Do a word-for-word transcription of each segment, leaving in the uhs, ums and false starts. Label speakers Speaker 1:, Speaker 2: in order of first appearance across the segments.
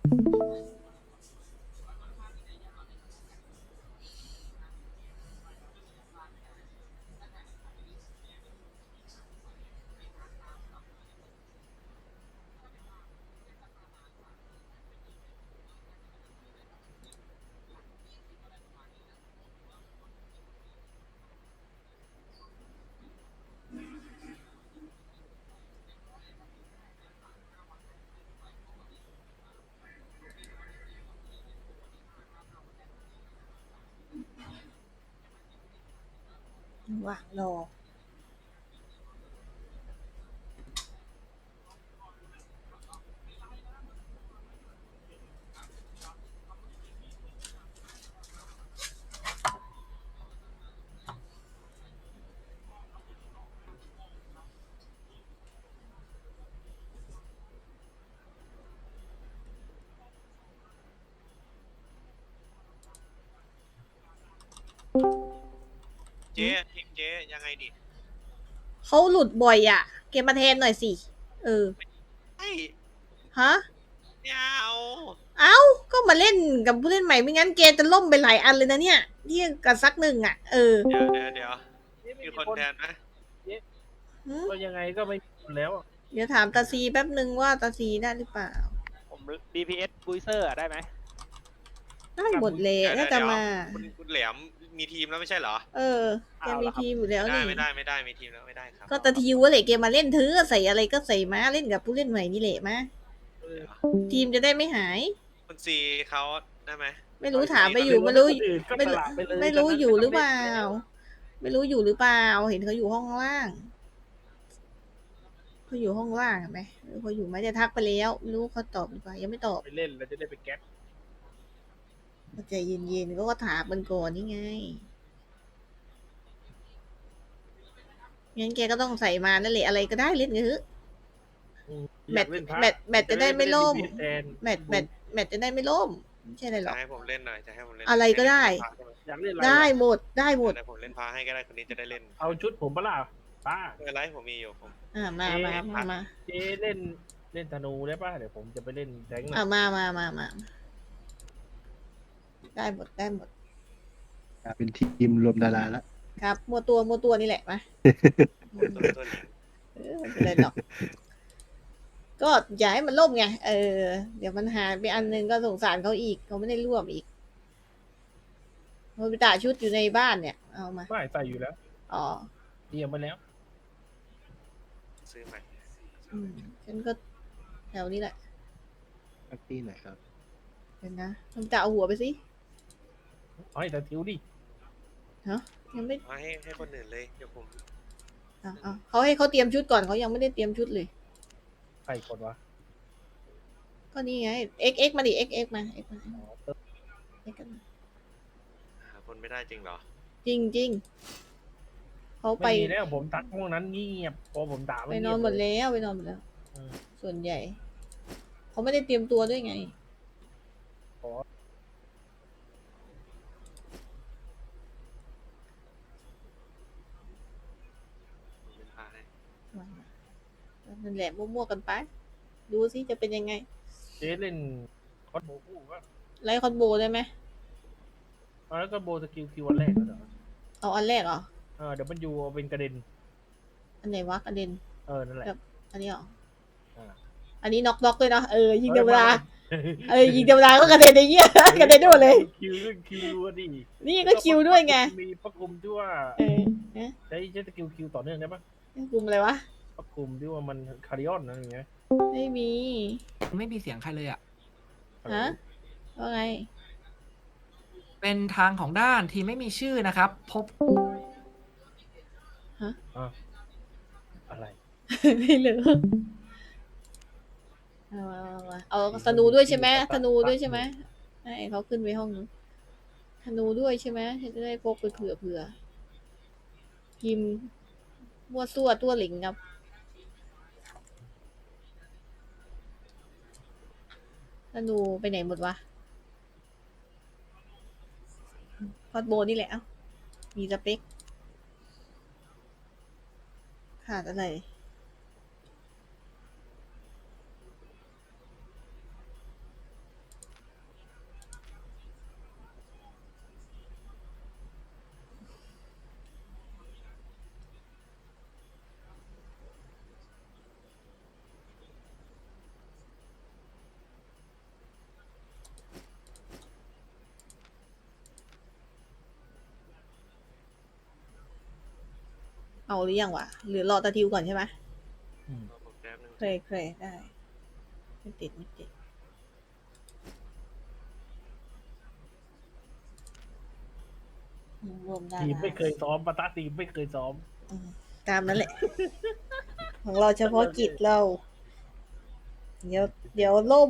Speaker 1: ว่างรอ
Speaker 2: เจ๊ทีมเจ๊ยังไงดิ
Speaker 1: เขาหลุดบ่อยอ่ะเกมมาแทนหน่อยสิเออ
Speaker 2: ไอ้
Speaker 1: ฮะ
Speaker 2: ไม่เอา
Speaker 1: เอ้าก็มาเล่นกับผู้เล่นใหม่ไม่งั้นเกมจะล่มไปหลายอันเลยนะเนี่ยเที่ยงกับสักหนึ่งอ่ะเออ
Speaker 2: เดี๋ยวเดี๋ยวเดี๋ยวมีคนแทนไหม
Speaker 3: ก็ยังไงก็ไม่มีคนแล้วอะ
Speaker 1: เดี๋ยวถามตาซีแป๊บนึงว่าตาซีได้หรือเปล่า
Speaker 3: ผม ดี พี เอส บูเซอร์ได้ไหม
Speaker 1: ได้หมดเลย
Speaker 2: เดี๋ยว
Speaker 1: น่า
Speaker 2: เดี๋
Speaker 1: จะ
Speaker 2: ยว
Speaker 1: มา
Speaker 2: คุณคุณแหลมมีทีมแล้วไม่ใช่เหรอ
Speaker 1: เออแกมีทีมอยู่แล้ว
Speaker 2: ไม่ได้
Speaker 1: นี่
Speaker 2: ไม่ได้ไม่ได้มีทีมแล้วไม่ได้ครับ
Speaker 1: ก็ตาทีว่าเลยเกมมาเล่นเธอใส่อะไรก็ใส่มาเล่นกับผู้เล่นใหม่นี่แหละมา
Speaker 3: เออ
Speaker 1: ทีมจะได้ไม่หาย
Speaker 2: คุณซีเขาได้ไหม
Speaker 1: ไม่รู้ถามไปอยู่ไม่รู้
Speaker 3: คนอื่นก็
Speaker 1: ไม่
Speaker 3: ส
Speaker 1: รู้
Speaker 3: ละปเลย
Speaker 1: ไม่รู้
Speaker 3: ตนนั้น
Speaker 1: อยู่หรือเปล่า
Speaker 3: แล้ว
Speaker 1: ไม่รู้อยู่หรือเปล่า เห็นเขาอยู่ห้องล่างเขาอยู่ห้องล่างเห็นไหมเออเขาอยู่ไหมจะทักไปแล้วไม่รู้เขาตอบหรือเปล่ายังไม่ตอบ
Speaker 3: ไปเล่นแล้วจะได้ไปแก๊ป
Speaker 1: ใจเย็นๆก็ก็ถามมันก่อนนี่ไงงั้นแกก็ต้องใส่มานั่นแหละอะไรก็ได้เล่นกันเถอะ
Speaker 3: อืม
Speaker 1: แม
Speaker 3: อ
Speaker 1: ต
Speaker 3: ยา
Speaker 1: ช์
Speaker 3: กเล่นพระ
Speaker 1: แมตช์แมตช์จะได้ไม่ล่ม
Speaker 3: จะด้ไปเล่น ดี พี เอส แทน
Speaker 1: แมตช์แมตช์แมตช์จะได้ไม่ล่มไม่ใช่อะไรหร
Speaker 2: จะ
Speaker 1: อก
Speaker 2: ให้ผมเล่นหน่อยจะให้ผมเล่น
Speaker 1: อะไรก็ได้
Speaker 3: อยากเล่นอะไร
Speaker 1: ได้
Speaker 3: อะ
Speaker 1: หมดได้หมด
Speaker 2: เดี๋ยวผมเล่นพาให้ก็ได้คนนี้จะได้เล่น
Speaker 3: เอาชุดผมปะล่ะป้า
Speaker 2: ไม่เป็นไรผมมีอยู่ผม
Speaker 1: อ่ามามามามา
Speaker 3: เจ๊เล่นเล่นธนูได้ป่ะเดี๋ยวผมจะไปเล่นแทงค์หน่
Speaker 1: อ่า
Speaker 3: อย
Speaker 1: มามามามาได้หมดได้หมด
Speaker 4: เป็นทีมรวมดาราแล้ว
Speaker 1: ครับมัวตัวมัวตัวนี่แหละมา
Speaker 2: ตัวตัวหลิง
Speaker 1: เออไม่เป็นไรหรอก ก็อย่าให้มันล่มไง เออ เดี๋ยวมันหายไปอันนึงก็สงสารเขาอีก เขาไม่ได้ร่วมอีกโนบิตะชุดอยู่ในบ้านเนี่ย เอามา
Speaker 3: ไม่ใส่อยู่แล้ว
Speaker 1: อ๋อ
Speaker 3: เตรียมไปแล้ว
Speaker 2: ซื้อใหม่
Speaker 1: อืมฉันก็แถวนี้แหละ
Speaker 4: พักที่ไหนครับ
Speaker 1: เดี๋ยวนะโนบิตะเอาหัวไปสิ
Speaker 3: เอาให้แต่ทิวดิ
Speaker 1: ยังไม่
Speaker 2: มาให้ให้คนอื่นเลยเดี๋ยวผม
Speaker 1: อ่ะอ่ะเขาให้เขาเตรียมชุดก่อนเขายังไม่ได้เตรียมชุดเลย
Speaker 3: ใครกดวะ
Speaker 1: ก็นี่ไง x x มาดิ x x มา x มา
Speaker 3: อ๋อเติม
Speaker 1: x กันมา
Speaker 2: หาคนไม่ได้จริงเหรอ
Speaker 1: จริงจริงเขาไป
Speaker 3: ไม่มีแล้วผมตักห้องนั้นเงียบพอผมด่า
Speaker 1: ไป
Speaker 3: ไม่
Speaker 1: น
Speaker 3: เงี
Speaker 1: อย น
Speaker 3: บ
Speaker 1: หมด
Speaker 3: เลย
Speaker 1: แล้วไปนอนหมดแล้ว
Speaker 3: อืม
Speaker 1: ส่วนใหญ่ เขาไม่ได้เตรียมตัวด้วยไง
Speaker 3: ขอ
Speaker 2: ผมเล่นพาให้
Speaker 1: นั่นแหละมั่วๆกันไป ดูสิจะเป็นยังไง
Speaker 3: เจ๊เล่นคอสโบคู่ก็
Speaker 1: ไล่คอนโบได้ไหม
Speaker 3: เอาแล้วก็โบสกิลคิววันแรกแล้วเหรอ
Speaker 1: เอาอันแรกเหรอ
Speaker 3: เออเดี๋ยวมันอยู่เอาเป็นกระเด็น
Speaker 1: อันไหนวะกระเด็น
Speaker 3: เออนั่นแหละ
Speaker 1: อันนี้เหรอ
Speaker 3: อ่า
Speaker 1: อันนี้น็อกน็อกเลยเนาะ เออยิงเทวดา
Speaker 3: เออ
Speaker 1: เออยิงเทวดาก็กระเด็นไอ้เหี้ย กระเด็นได้หมดเลย
Speaker 3: คิวเรื่องคิวอะดิ
Speaker 1: นี่ก็คิวด้วยไง
Speaker 3: มีประกุมที่ว่า
Speaker 1: เออนะ
Speaker 3: ใช้ใช้สกิลคิวต่อเนื่องได้ปะ
Speaker 1: กลุ่มอะไรวะ
Speaker 3: ประกุมที่ว่ามันคาริออนนะอย่างเงี้ย
Speaker 1: ไม่มี
Speaker 5: ไม่มีเสียงใครเลยอ่ะ
Speaker 1: ฮะ ว่าไง
Speaker 5: เป็นทางของด้านที่ไม่มีชื่อนะครับ พบ
Speaker 3: อะไร
Speaker 1: ไม่รู้เอาเอาเอาเอาเอาธนูด้วยใช่ไหมธนูด้วยใช่ไหมให้เขาขึ้นไปห้องนู้นธนูด้วยใช่ไหมจะได้พกไปเผื่อเผื่อพิมพ์มั่วซั่วตัวหลิงครับธนูไปไหนหมดวะพอดโบนี่แหละเอ้ามีสเปคขาดอะไรเอาหรือยังวะหรือรอตาทิวก่อนใช่ไหม
Speaker 3: อืม
Speaker 2: รอผมแป๊บนึง
Speaker 1: เคยเคยได้ไม่ติดไม่ติดรวมได้
Speaker 3: ทีมไม่เคยซ้อมปะตะทีมไม่เคยซ้อม
Speaker 1: อืมตามนั้นแหละ ของเราเฉพาะกิจเรา เดี๋ยวเดี๋ยวล่ม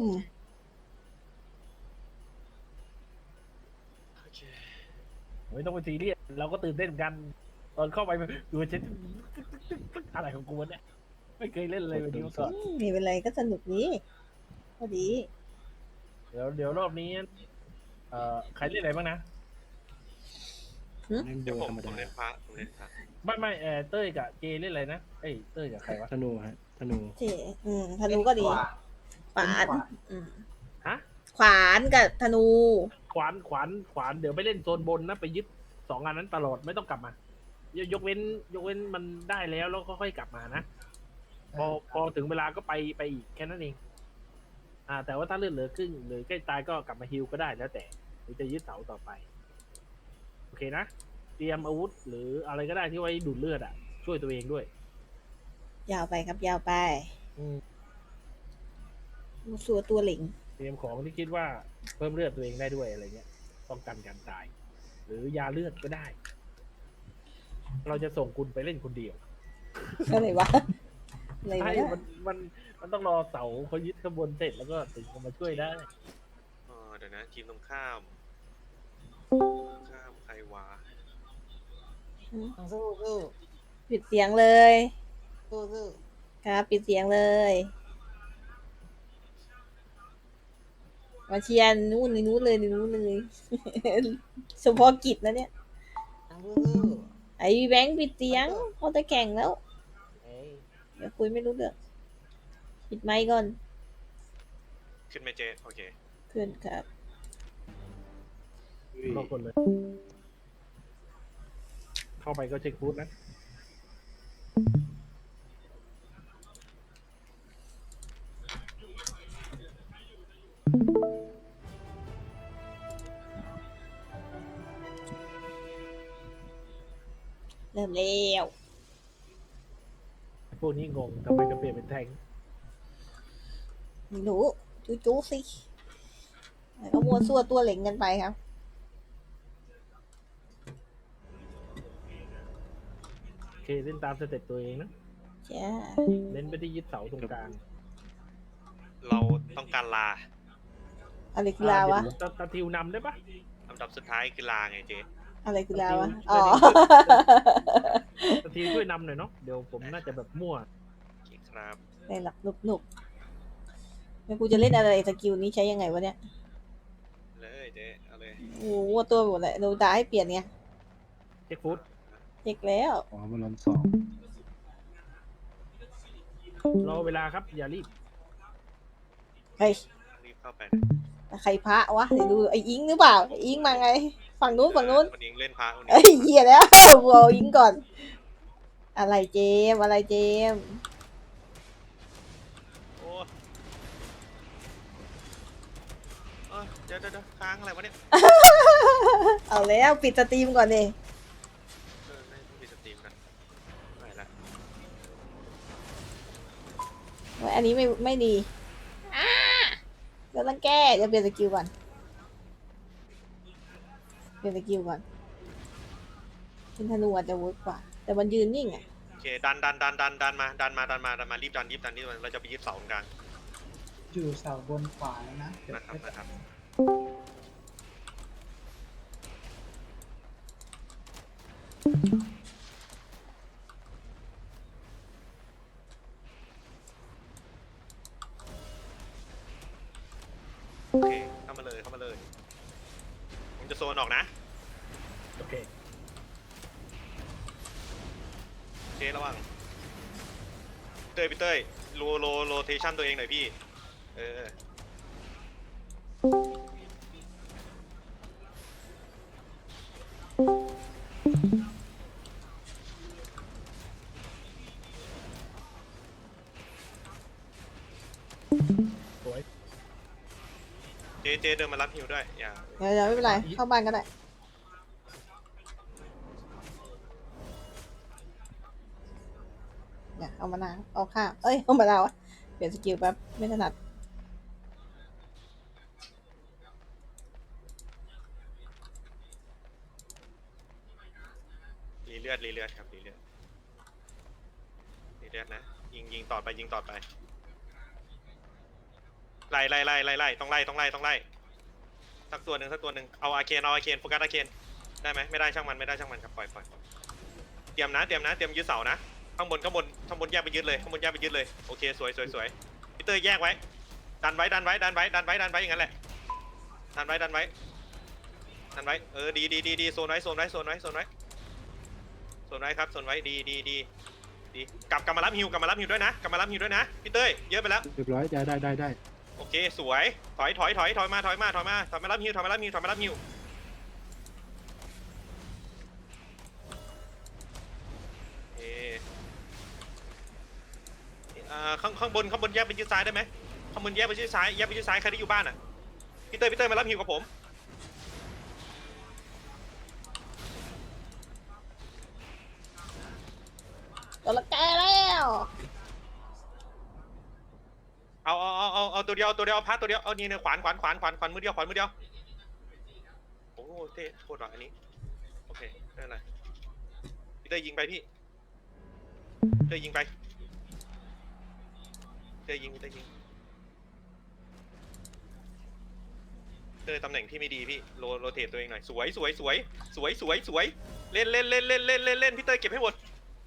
Speaker 2: โอเค
Speaker 3: ไม่ต้องไปซีเรียสเราก็ตื่นเต้นเหมือนกัน ตอนเข้าไปดูเช็ดอะไรของกูวะเนี่ยไม่เคยเล่นเลยวันนี้มาก่อน
Speaker 1: อืมไม่เป็นไรก็สนุกนี้พอดี
Speaker 3: เดี๋ยวเดี๋ยวรอบนี้เอ่อใครเล่นอะไรบ้างนะ
Speaker 4: เล่นโบ
Speaker 2: เดี๋ยวผม
Speaker 4: ธรรม
Speaker 2: ผม
Speaker 4: ดา
Speaker 2: เล่นพระผมเล่นพระ
Speaker 3: ไม่ไม่เออเต้ยกับเจเล่นอะไรนะเอ้ยเต้ยกับใครวะ
Speaker 4: ธนูฮะธนู
Speaker 1: เจอืมธนูก็ดี ขวานอืม
Speaker 3: ฮะ
Speaker 1: ขวานกับธนู
Speaker 3: ขวานขวานขวานเดี๋ยวไปเล่นโซนบนนะไปยึดสองอันนั้นตลอดไม่ต้องกลับมา ยยกเว้น ยกเว้นมันได้แล้วแล้วก็ค่อยกลับมานะ พอพอถึงเวลาก็ไปไปอีกแค่นั้นเอง อ่า แต่ว่าถ้าเลือดเหลือครึ่งหรือใกล้ตายก็กลับมาฮิลก็ได้แล้วแต่หรือจะยึดเสาต่อไป โอเคนะ เตรียมอาวุธหรืออะไรก็ได้ที่ไว้ดูดเลือดอ่ะ ช่วยตัวเองด้วย
Speaker 1: ยาวไปครับยาวไป
Speaker 3: อืม
Speaker 1: มูสัวตัวเหล็ง
Speaker 3: เตรียมของที่คิดว่าเพิ่มเลือดตัวเองได้ด้วยอะไรเงี้ยป้องกันการตาย หรือยาเลือดก็ได้ เราจะส่งคุณไปเล่นคนเดียว
Speaker 1: อะไรวะอะไร
Speaker 3: ใช่
Speaker 1: วะเนี่ย
Speaker 3: มันมันมันต้องรอเสาเขายึดขบวนเสร็จแล้วก็ถึงจะมาช่วยได้
Speaker 2: อ๋อเดี๋ยวนะทีมตรงข้ามข้ามใครวะ
Speaker 6: สู้สู้
Speaker 1: ปิดเสียงเลย
Speaker 6: สู้สู้
Speaker 1: ครับ ปิดเสียงเลยมาเชียร์นู่นในนู้นเลยในนู้นเลย เฉพาะกิจนะเนี่ย
Speaker 6: สู้สู้
Speaker 1: ไอ้แบงค์ปิดเสียงเขาจะแข่งแล้ว
Speaker 6: เอ้ย
Speaker 1: เดี๋ยวคุยไม่รู้เรื่องปิดไมค์ก่อน
Speaker 2: ขึ้นไหมเจโอเค
Speaker 1: เพื่อนครับ
Speaker 3: รอคนเลย เข้าไปก็เช็คฟูดนะ
Speaker 1: เริ่มแล้ว
Speaker 3: พวกนี้งงทำไมจะเปลี่ยนเป็นแทง
Speaker 1: ไม่รู้จู้จู้สิแล้วก็มัวซั่วตัวเหล็งกันไปครับ
Speaker 3: โอเคเล่นตามสเต็ปตัวเองนะ
Speaker 1: จ้า
Speaker 3: เน้นไปที่ยึดเสาตรงกลาง
Speaker 2: เราต้องการลา
Speaker 1: อะไรคือลาวะ
Speaker 3: เดี๋ยตาตาทิวนำได้ปะ
Speaker 2: ลำดับสุดท้ายคือลาไงเจ
Speaker 1: อะไรคือลาวะ
Speaker 3: ตาทิว
Speaker 1: อ๋อ
Speaker 3: ตาทิวช่วยนำหน่อยเนาะ เดี๋ยวผมน่าจะแบบมั่ว
Speaker 2: โอเคครับ
Speaker 1: ได้หลักหนุกหนุกแล้วกูจะเล่นอะไรสกิลนี้ใช้ยังไงวะเนี่ย
Speaker 2: เลยเจเอาเลย
Speaker 1: โอ้โหวัวตัวหมดเลยโดนด่าให้เปลี่ยนไง
Speaker 3: เช็คฟูด
Speaker 1: เช็คแล้ว
Speaker 4: อ๋อมาล้อมสอง
Speaker 3: รอเวลาครับ อย่ารีบ
Speaker 1: เฮ้ย
Speaker 2: รีบเข้าไป
Speaker 1: ใครพระวะเดี๋ยวดูไอ้อิงหรือเปล่าไอ้อิงมาไง ฝั่งนู้นฝั่งนู้น
Speaker 2: วันนี้เล่นพระวันนี้
Speaker 1: เอ้ยเหี้ยแล้วบัวอิงก่อน อะไรเจมส์อะไรเจมส์
Speaker 2: โอ้เอ้ยเดี๋ยวเดี๋ยวเดี๋ยวค้างอะไรวะเนี่ย
Speaker 1: เอาแล้วปิดสตรีมก่อนดิ
Speaker 2: เออไม่ต้องปิดสตรีมกันไม่ละ
Speaker 1: โอ้ยอันนี้ไม่ไม่ดีอ่าเดี๋ยวต้องแก้จะเปลี่ยนสกิลก่อนเปลี่ยนสกิลก่อนเป็นธนูอาจจะเวิร์กกว่า แต่มันยืนนิ่งอ่ะ
Speaker 2: โอเคดันดันดันดันดันมาดันมาดันมาดันมารีบดันรีบดันรีบดันเราจะไปยึดเสาตรงกลาง
Speaker 6: อยู่เสาบนขวาแล้วนะเดี๋ยว
Speaker 2: นะครับนะครับโอเคเข้ามาเลยเข้ามาเลยผมจะโซนออกนะ
Speaker 3: โอเค
Speaker 2: เจระวังเต้ยพี่เต้ยโลโลโรเทชันตัวเองหน่อยพี่เออ
Speaker 3: สวย
Speaker 2: เจเจเดินมารับฮิวด้วยอย่า
Speaker 1: เดี๋ยวเดี๋ยวไม่เป็นไร เข้าบ้านก็ได้เนี่ยเอามะนาวเอาข้าวเอ้ยเอามะนาวอะเปลี่ยนสกิลแป๊บไม่ถนัด
Speaker 2: รีเลือดรีเลือดครับรีเลือดรีเลือดนะยิงยิงต่อไปยิงต่อไปไล่ไล่ไล่ไล่ไล่ต้องไล่ต้องไล่ต้องไล่สักตัวหนึ่งสักตัวหนึ่งเอาอาเคนเอาอาเคนโฟกัสอาเคนได้ไหมไม่ได้ช่างมันไม่ได้ช่างมันครับปล่อยปล่อยเตรียมนะเตรียมนะเตรียมยึดเสานะข้างบนข้างบนข้างบนแยกไปยึดเลยข้างบนแยกไปยึดเลยโอเคสวยสวยสวยพีเตอร์แยกไว้ดันไว้ดันไว้ดันไว้ดันไว้ดันไว้อย่างนั้นแหละดันไว้ดันไว้ดันไว้เออดีดีดีดีโซนไว้โซนไว้โซนไว้โซนไว้โซนไว้ครับโซนไว้ดีดีดีดีกลับกลับมารับฮิวกลับมารับฮิวด้วยนะกลับมารับฮิวด้วยนะพี่เต้ยเยอะไปแล้ว
Speaker 4: เรียบร้อยได้ได้ได้ได้
Speaker 2: โอเคสวยถอยถอยถอยถอยมาถอยมาถอยมาถอยมารับฮิวถอยมารับฮิวถอยมารับฮิวเออ่าข้างข้างบนข้างบนแยกไปยืดซ้ายได้ไหมข้างบนแยกไปยืดซ้ายแยกไปยืดซ้ายใครที่อยู่บ้านอ่ะพี่เต้ยพี่เต้ยมารับฮิวกับผม
Speaker 1: ตัวละแกแล้ว
Speaker 2: เอาเอาเอาเอาเอาตัวเดียวตัวเดียวพัดตัวเดียวเอานี่เนี่ยขวานขวานขวานขวานขวานมือเดียวขวานมือเดียวโอ้โหเท่โคตรว่ะอันนี้โอเคไม่เป็นไรพี่เต้ยยิงไปพี่เต้ยยิงไปเต้ยยิงพี่เต้ยยิงเต้ยตำแหน่งที่ไม่ดีพี่โรโรเทตตัวเองหน่อยสวยสวยสวยสวยสวยสวยเล่นเล่นเล่นเล่นเล่นเล่นเล่นพี่เต้ยเก็บให้หมด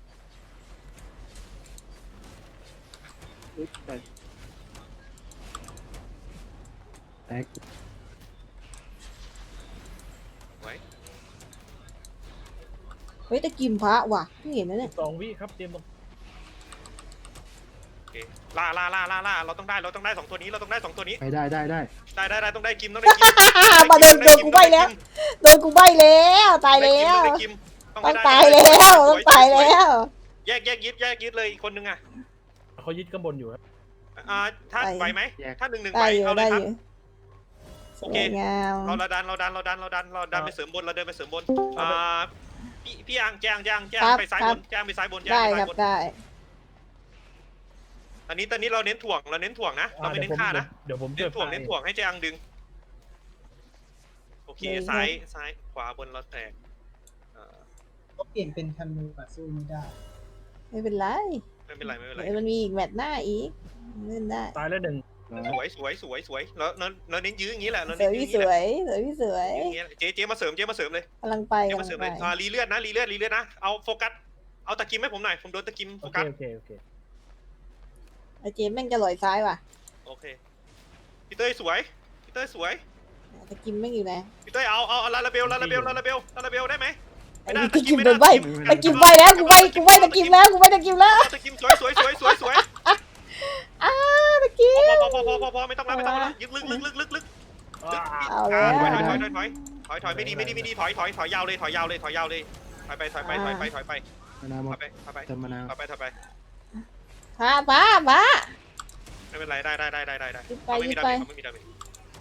Speaker 4: อุ๊ยแตกแตก
Speaker 2: ไว้
Speaker 1: เฮ้ยตะกิมพระว่ะเพิ่งเห็นนะเนี่ย
Speaker 3: สองวิครับเตรียมตรง
Speaker 2: โอเคล่าล่าล่าล่าล่าเราต้องได้เราต้องได้สองตัวนี้เราต้องได้สองตัวนี้
Speaker 4: ไปได้ได้ได้
Speaker 2: ได้ได้ได้ต้องได้กิมต้องได้กิม
Speaker 1: มาโดนโดนกูใบแล้วโดนกูใบแล้วตายแล้ว
Speaker 2: ได้กิมต้อง
Speaker 1: ต้อง
Speaker 2: ได้
Speaker 1: ตายแล้วต้องตายแล้ว
Speaker 2: แยกแยกยึดแยกยึดเลยอีกคนนึงอ่ะ
Speaker 3: เขายึดข้างบนอยู่ครับ
Speaker 2: อ่าถ้าไหวไหมถ้าหนึ่งหนึ่งไหว
Speaker 1: ได้อยู่
Speaker 2: เอาเล
Speaker 1: ได้
Speaker 2: ยค
Speaker 1: อ
Speaker 2: รับ
Speaker 1: ยู่ส
Speaker 2: โอ
Speaker 1: ว
Speaker 2: เค
Speaker 1: ยงาม
Speaker 2: เราเราดันเราดันเราดันเราดันเราดันไปเสริมบนเราเดินไปเสริมบนอ่าพี่พี่อังแจงแจงแจงไปซ้ายบนแจงไปซ้ายบนแจง
Speaker 1: ได้
Speaker 2: ไป
Speaker 1: ค
Speaker 2: ซ้า
Speaker 1: รั
Speaker 2: ย
Speaker 1: บบ
Speaker 2: น
Speaker 1: ได้
Speaker 2: ตอนนี้ตอนนี้เราเน้นถ่วงเราเน้นถ่วงนะเราไม่เน้นฆ่านะ
Speaker 3: เดี๋ยวผม
Speaker 2: เน้นถ่วงเน้นถ่วงให้แจงดึงโอเคซ้ายซ้ายขวาบนเราแตกอ่า
Speaker 6: ก็เปลี่ยนเป็นธนูอะสู้ไม่ได้
Speaker 1: ไม่เป็นไร
Speaker 2: ไม่เป็นไรไม่เป็นไร
Speaker 1: เดี๋ยวมันมีอีกแมตช์หน้าอีกเล่นได้
Speaker 3: ตายแล้วหนึ่ง
Speaker 2: สวยสวยสวยสวยเราเราเราเน้นยื้ออย่างนี้แหละเรา
Speaker 1: ส
Speaker 2: เน้
Speaker 1: วน ย
Speaker 2: ยื้อ
Speaker 1: พี่
Speaker 2: อย่าง
Speaker 1: ส
Speaker 2: นี้แหละ
Speaker 1: วยสวยพี่สวย
Speaker 2: อย่างเงี้ยเจ๊เจ๊มาเสริมเจ๊มาเสริมเลย
Speaker 1: กำลังไป
Speaker 2: เจ๊
Speaker 1: กำ
Speaker 2: มา
Speaker 1: ลั
Speaker 2: เสริม
Speaker 1: ง
Speaker 2: เล
Speaker 1: ไป
Speaker 2: ยอ่ารีเลือดนะรีเลือดรีเลือดนะเอาโฟกัสเอาตะกิมให้ผมหน่อยผมโดนตะกิมโฟ
Speaker 3: โอเค
Speaker 2: กัส
Speaker 3: โอเคโอเค
Speaker 1: ไอเจมแม่งจะลอยซ้ายว่ะ
Speaker 2: โอเคพี่เต้ยสวยพี่เต้ยสวย
Speaker 1: ตะกิมแม่งอยู่ไหน
Speaker 2: พี่เต้ยเอาเอาเอาลาลาเบลลาลาเบลลาลาเบลลาลาเบลได้ไหม
Speaker 1: ไอ้ตะกิมโดนใบตะกิมใบแล้วกูใบกูใบตะกิมแล้วกูใบตะกิมแล้ว
Speaker 2: ตะกิมสวยสวยสวยสวยสวย
Speaker 1: อ้าตะกิม
Speaker 2: พอพอพอพอพอไม่ต้องแล้วไม่ต้องแล้วยึกลึกลึกลึกลึกลึก
Speaker 1: เอาแล้ว
Speaker 2: ถอยถอยถอยถอยถอยถอยถอยไม่ดีไม่ดีไม่ดีถอยถอยถอยยาวเลยถอยยาวเลยถอยยาวเลยถอยไปถอยไปถอยไปถอยไป
Speaker 4: มะนาวหม
Speaker 2: ถอ
Speaker 4: ด
Speaker 2: ยไปถอยไป
Speaker 4: เติมมะนาว
Speaker 2: ถอยไปถอยไป
Speaker 1: พาพาพา
Speaker 2: ไม่เป็นไรได้ได้ได้ได้ได้ได้
Speaker 1: ยึดไป
Speaker 2: เขาไม่
Speaker 1: ยึ
Speaker 2: มี
Speaker 1: ด
Speaker 2: ดา
Speaker 1: ไป
Speaker 2: เมจเขาไม่มีดาเมจ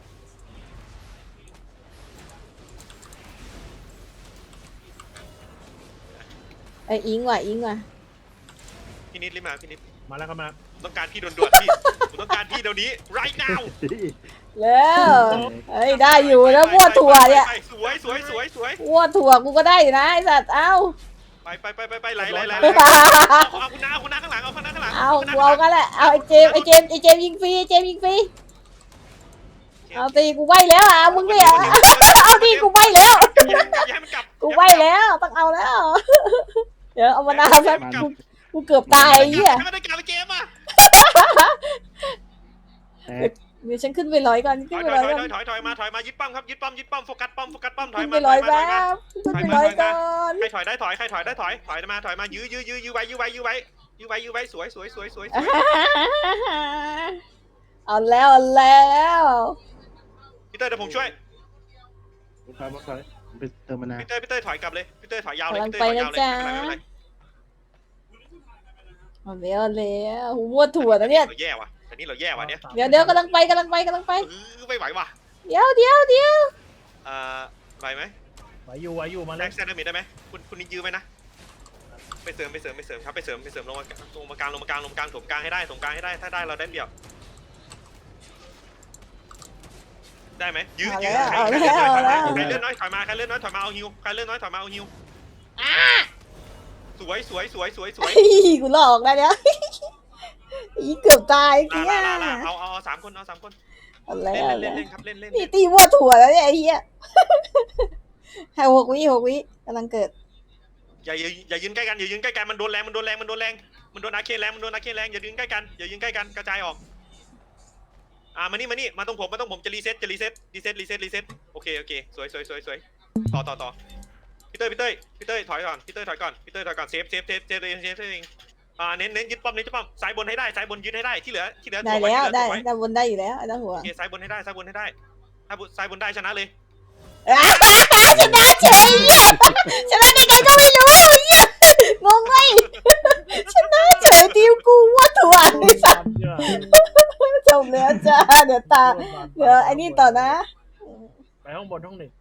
Speaker 1: ไออิงว่ะอิงว่ะ
Speaker 2: พี่นิดรีบมาพี่นิด
Speaker 3: มาแล้วครับมา
Speaker 2: ต้องการพี่ด่วนๆพี่ผมต้องการพี่เดี๋ยวนี้ right now
Speaker 1: แล้วเฮ้ยได้อยู่แล้วมั่วถั่วเนี่ย
Speaker 2: ไปสวยสวยสวยสวย
Speaker 1: มั่วถั่วกูก็ได้อยู่นะไอสัตว์เอ้า
Speaker 2: ไปไปไปไปไปไหลไหลไหลเอาคุณน้าคุณน้าข้างหลังเอาคุณน้าข้างหลัง
Speaker 1: เอากูเอากันแหละเอาไอเจมไอเจมไอเจมยิงฟรีไอเจมยิงฟรีเอาตีกูใบแล้วอ่ะมึงเนี่ยเอาตีกูใบแล้ว
Speaker 2: อย่าให้มันกลับ
Speaker 1: กูใบแล้วต้องเอาแล้ว เดี๋ยวเอามานาวซะกูกูเกือบตายไอ้เหี้ย
Speaker 2: ไม่ได้กลับไปเกมอ่ะ
Speaker 4: แตก
Speaker 1: เดี๋ยวฉันขึ้นไปร้อยก่อน
Speaker 2: ถ
Speaker 1: ขึ้น
Speaker 2: อย
Speaker 1: ไป
Speaker 2: ถ
Speaker 1: ร้
Speaker 2: อ
Speaker 1: อย ย
Speaker 2: ถ
Speaker 1: ก่อ
Speaker 2: อน ยถอยถอยมาถอยมายึดป้อมครับยึดป้อมยึดป้อมโฟกัสป้อมโฟกัสป้อมถอย
Speaker 1: ขึ้น
Speaker 2: มา
Speaker 1: ไป
Speaker 2: ถ
Speaker 1: ร้
Speaker 2: อ
Speaker 1: อย ย
Speaker 2: มาถ
Speaker 1: แล้
Speaker 2: อยมาว
Speaker 1: ขึ้นไปร้อยก่อน
Speaker 2: ใครถอยได้ถอยใครถอยได้ถอยถอยมาถอยมายื้อยื้อยื้อยื้อไว้ยื้อไว้ยื้อไว้ยื้อไว้ยื้อไว้สวยสวยสวยสวย
Speaker 1: เอาแล้วเอาแล้ว
Speaker 2: พี่เต้ยเดี๋ยวผมช่วย
Speaker 4: ถอยมาถอยไปเติมมะนาว
Speaker 2: พี่เต้ยพี่เต้ยถอยกลับเลยพี่เต้ยถอยยาวเลย
Speaker 1: กำลัง
Speaker 2: พี่
Speaker 1: ไป
Speaker 2: เต้ยถอย
Speaker 1: นะ
Speaker 2: ยาวเลย
Speaker 1: จ๊ะ
Speaker 2: ไม่เป็นไรไม่เป็นไร
Speaker 1: เอาแล้วเอาแล้วหูมั่วถั่วนะเนี่ย
Speaker 2: เราแย่ว่ะแต่นี่เราแย่ว่ะเนี่ย
Speaker 1: เดี๋ยวเดี๋ยวกำลังไปกำลังไปกำลังไป
Speaker 2: เออไม่ไหวว่ะ
Speaker 1: เดี๋ยวเดี๋ยวเดี๋ยว
Speaker 2: อ่าไหวไหม
Speaker 3: ไหวอยู่ไหวอยู่มา
Speaker 2: แล
Speaker 3: แล้ว
Speaker 2: กแซนด์มิดได้ไหมคุณคุณยื้อไหมนะไปไปเสริมไปเสริมไปเสริมครับไปเสริมไปเสริมลงมาลงมากลางลงมากลางลงมากลางถมกลางให้ได้ถมกลางให้ได้ถ้าได้เราได้เปรียบได้ไหมยื้อยื้อใครใครเลื่อนน้อยถอยมาใครเลื่อนน้อยถอยมาใครเลื่อนน้อยถอยมาเอาฮิวใครเลื่อนน้อยถอยมาเอาฮิวสวยสวยสวยสวยสวย
Speaker 1: กูหลอกได้แล้วอีเกือบตายเกี้ย
Speaker 2: ลาลาลาเอาเอาเอาสามคนเอาสามคน
Speaker 1: อะไร
Speaker 2: เล่น
Speaker 1: อะไร
Speaker 2: เล่นเล่นครับเล่นเล่น
Speaker 1: พี่ตีวัวถั่วแล้วเนี่ยไอ้เหี้ยให้หกวิหกวิกำลังเกิด
Speaker 2: อย่าอย่าอย่ายืนใกล้กันอย่ายืนใกล้กันมันโดนแรงมันโดนแรงมันโดนแรงมันโดนอาเคนแรงมันโดนอาเคนแรงอย่ายืนใกล้กันอย่ายืนใกล้กันกระจายออกอ่ามานี่มานี่มาตรงผมมาตรงผมจะรีเซ็ตจะรีเซ็ตรีเซ็ตรีเซ็ตรีเซ็ตโอเคโอเคสวยสวยสวยสวยต่อต่อต่อพี่เต้ยพี่เต้ยพี่เต้ยถอยก่อนพี่เต้ยถอยก่อนพี่เต้ยถอยก่อนเซฟเซฟเซฟเซฟเองเซฟเองอ่าเน้นเน้นยึดป้อมเน้นยึดป้อมซ้ายบนให้ได้ซ้ายบนยึดให้ได้ที่เหลือที่เหลือ
Speaker 1: ได้แล้วได้ได้บนได้อยู่แล้วไอ้ตั้งหัว
Speaker 2: โอเคซ้ายบนให้ได้ซ้ายบนให้ได้ถ้าซ้ายบนได้ชนะเลย
Speaker 1: ชนะเฉยเนี่ยชนะได้ไงก็ไม่รู้เนี่ยงงไหมชนะเฉยทีมกูวัวถั่วไอ้สัสจบแล้วจ้าเดี๋ยวตาเดี๋ยวไอ้นี่ต่อนะ
Speaker 3: ไปห้องบนห้องหนึ่ง